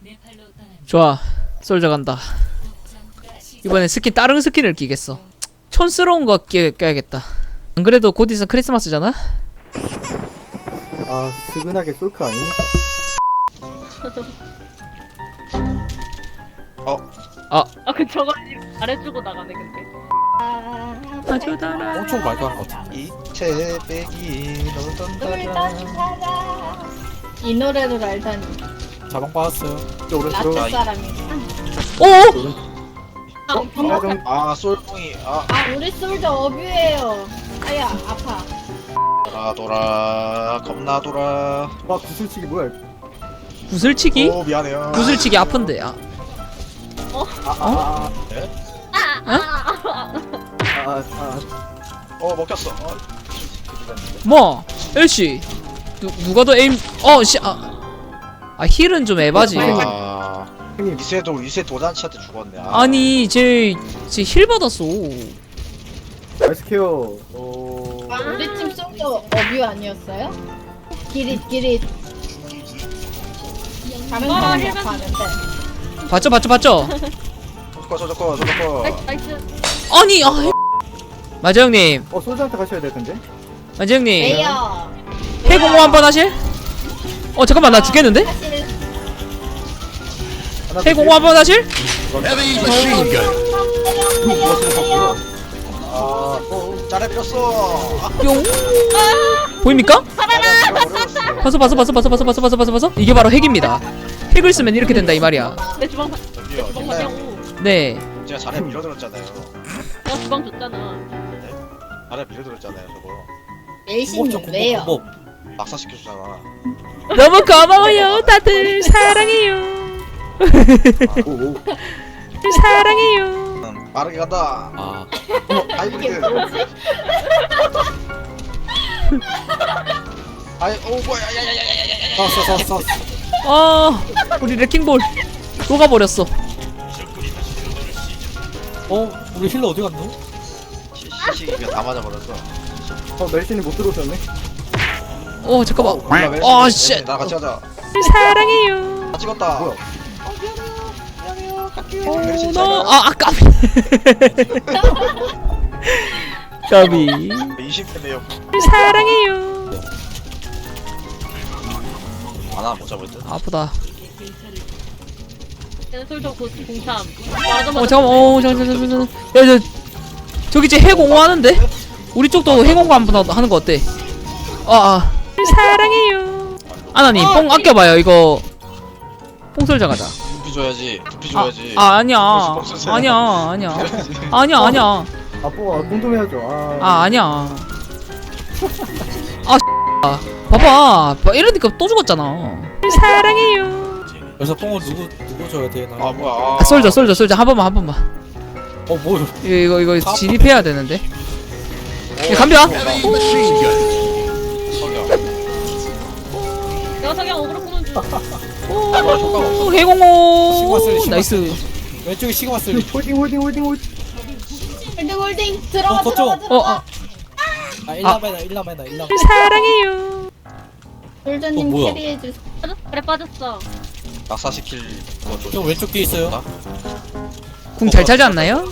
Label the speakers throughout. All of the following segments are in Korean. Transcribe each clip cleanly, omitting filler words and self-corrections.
Speaker 1: 좋아, 솔져 간다. 이번엔 스킨 다른 스킨을 끼겠어. 촌스러운 거 껴야겠다. 안 그래도 곧 있으면 크리스마스잖아?
Speaker 2: 아 스근하게 솔크 아닙니까?
Speaker 3: 그 저거 잘해주고 나가네 근데.
Speaker 1: 아주 달아.
Speaker 4: 엄청 말깔 것 같아.
Speaker 5: 이채 빼기 널던다라.
Speaker 3: 이 노래를 알다니.
Speaker 4: 자방 빠졌어요.
Speaker 2: 오른쪽
Speaker 3: 라떼 사람이.
Speaker 1: 오!
Speaker 5: 아 솔봉이
Speaker 3: 우리 솔저 어뷰예요. 아야 아파.
Speaker 5: 돌아 겁나 돌아.
Speaker 2: 와 구슬치기 뭐야?
Speaker 1: 구슬치기?
Speaker 5: 오 미안해요.
Speaker 1: 구슬치기 아픈데.
Speaker 5: 먹혔어.
Speaker 1: 뭐? 엘씨 누가 더 에임 힐은 좀 에바지.
Speaker 2: 형님
Speaker 5: 이세 도단치한테 죽었네.
Speaker 1: 아니 쟤 힐 받았어.
Speaker 2: 아이스케어
Speaker 3: 우리 팀 솔저 어뷰 아니었어요? 기릿. 다른 사람이 아파하는데.
Speaker 1: 봤죠?
Speaker 5: 저거.
Speaker 3: 나이스.
Speaker 1: 아니 마저 형님,
Speaker 2: 솔저한테 가셔야 될 텐데.
Speaker 1: 마저 형님
Speaker 3: 에이요.
Speaker 1: 해공모 한번 하실? 잠깐만 나 죽겠는데?
Speaker 2: 하나
Speaker 1: 해공모 한번 하실?
Speaker 5: 짜래 빌었어.
Speaker 1: 뿅. 보입니까? 봤어. 이게 바로 핵입니다. 핵을 쓰면 이렇게 된다 이 말이야.
Speaker 3: 내 주방
Speaker 5: 저기요.
Speaker 3: 받냐고.
Speaker 1: 네.
Speaker 5: 제가 잘해 밀어들었잖아요.
Speaker 3: 내가 주방 줬잖아.
Speaker 5: 잘해 밀어들었잖아요. 저거
Speaker 3: 엘신 왜요?
Speaker 5: 낙사시켜주잖아.
Speaker 1: 너무 고마워요 다들. 사랑해요.
Speaker 2: 오오
Speaker 1: 사랑해요.
Speaker 5: 빠르게 간다. 하이브리드. 뭐야 야야야야야야야.
Speaker 4: 쐈.
Speaker 1: 우리 레킹볼 녹아버렸어.
Speaker 4: 우리 힐러 어디 갔노?
Speaker 5: 시시가 다 맞아버렸어.
Speaker 2: 멜신이 못 들어오셨네.
Speaker 1: 잠깐만. 씨.
Speaker 5: 나 같이 하자.
Speaker 1: 사랑해요.
Speaker 5: 다 찍었다.
Speaker 2: 뭐야?
Speaker 1: 아까 까비.
Speaker 5: 20대네요.
Speaker 1: 사랑해요.
Speaker 5: 하나 못 잡을 듯.
Speaker 1: 아프다.
Speaker 3: 얘는 솔저 공참.
Speaker 1: 잠깐만. 야, 저기 이제 해공호 하는데? 우리 쪽도 해공호 한번 하는 거 어때? 사랑해요. 아나님 뽕 아껴봐요. 이거 뽕설자 가자.
Speaker 5: 두피 줘야지. 두피 줘야지.
Speaker 1: 아니야.
Speaker 2: 뽀가 궁금해하죠.
Speaker 1: 아니야. 봐봐. 이러니까 또 죽었잖아. 사랑해요.
Speaker 4: 그래서 뽕을 누구 줘야 되나?
Speaker 5: 뭐야.
Speaker 1: 솔져. 한 번만.
Speaker 4: 뭐?
Speaker 1: 이거 진입해야 되는데. 간비야.
Speaker 3: 내가 자기랑 어그로 끄는 중.
Speaker 1: 해공호.
Speaker 4: 시그마
Speaker 1: 나이스.
Speaker 4: 왼쪽에 시그마 쓸.
Speaker 2: 홀딩.
Speaker 3: 홀딩 들어가.
Speaker 4: 거점. 일라메나.
Speaker 1: 사랑해요.
Speaker 3: 솔저님
Speaker 4: 뭐야?
Speaker 3: 캐리해주세요. 그래 빠졌어.
Speaker 5: 낙사시킬 거 줘.
Speaker 4: 형 왼쪽 뒤에 있어요.
Speaker 1: 궁 잘 차지 않나요?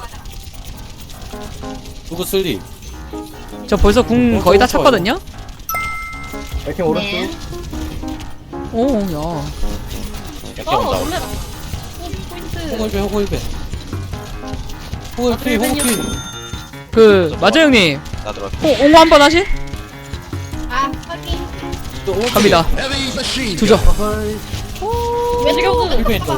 Speaker 4: 누구 쓸리?
Speaker 1: 저 벌써 궁 거의 다 찼거든요.
Speaker 2: 멜킨 오른쪽.
Speaker 3: 네.
Speaker 1: 야.
Speaker 5: 이렇게 온다.
Speaker 3: 놀래라. 포인트.
Speaker 4: 호글배. 호글피.
Speaker 1: 마저 형님,
Speaker 5: 나 들어왔다.
Speaker 1: 옹호 한번 하실?
Speaker 3: 확인.
Speaker 1: 갑니다. 두죠.
Speaker 3: 왼쪽.
Speaker 4: 힐벤 또.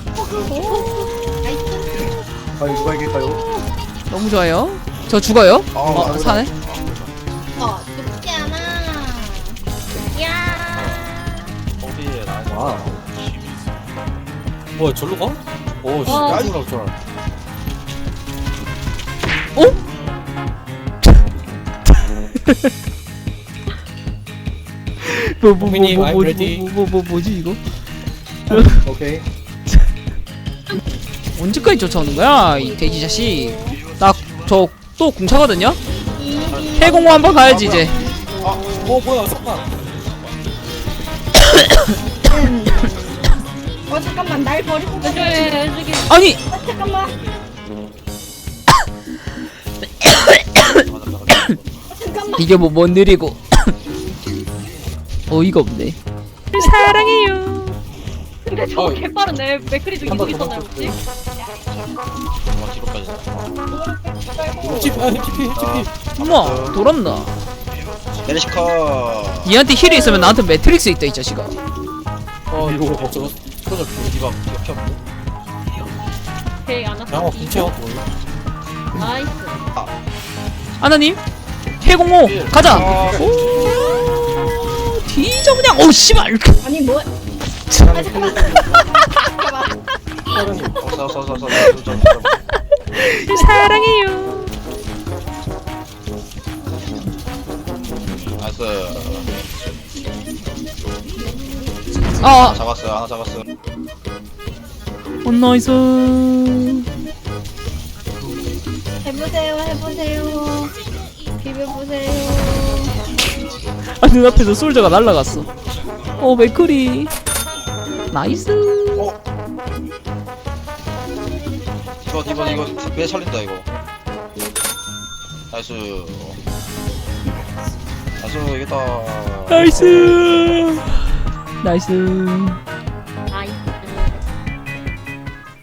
Speaker 2: 누가 이길까요?
Speaker 1: 너무 좋아요. 저 죽어요? 사네.
Speaker 3: 죽지 않아. 야.
Speaker 5: 거기에 나.
Speaker 2: 와.
Speaker 4: 뭐야 절로 가? 깜짝이야 줄.
Speaker 1: 뭐지
Speaker 4: I'm ready.
Speaker 1: 뭐지 이거?
Speaker 2: 오케이.
Speaker 1: 언제까지 쫓아오는 거야 이 돼지 자식. 나 저 또 궁차거든요. 해공호 한번 가야지 이제.
Speaker 4: 뭐야 잠깐.
Speaker 6: 잠깐만 날 버리고
Speaker 3: 왼쪽에 왼쪽에
Speaker 1: 아니
Speaker 6: 잠깐만 잠깐만
Speaker 1: 이게 뭐 느리고 어이가 없네. 사랑해요.
Speaker 3: 근데 저거
Speaker 4: 어.
Speaker 3: 개빠르네. 맥크리도 이동 있었나요 혹시?
Speaker 5: 어, 뒤로까지.
Speaker 4: TP, TP.
Speaker 1: 엄마 돌았나?
Speaker 5: 메리시카.
Speaker 1: 얘한테 힐이 있으면 나한테 매트릭스 있다 이 자식아.
Speaker 4: 이거 저거 터져.
Speaker 5: 디바 이렇게 없네.
Speaker 3: 오케이 안 왔어.
Speaker 4: 양호 근처 보여.
Speaker 3: 나이스.
Speaker 1: 아나님 해공호 가자.
Speaker 5: 아,
Speaker 1: 뒤져 그냥. 오 씨발.
Speaker 6: 아니 뭐 아 잠깐만
Speaker 5: 어서서서서.
Speaker 1: 사랑해요.
Speaker 5: 나이스.
Speaker 1: 아
Speaker 5: 잡았어요. 하나 잡았어.
Speaker 1: 나이스.
Speaker 6: 해보세요 비벼보세요
Speaker 1: 아 눈앞에서 솔저가 날라갔어. 오 맥크리. 나이스.
Speaker 5: 디바 이거 왜 살린다 이거. 나이스. 나이스 이겼다.
Speaker 1: 나이스. 나이스.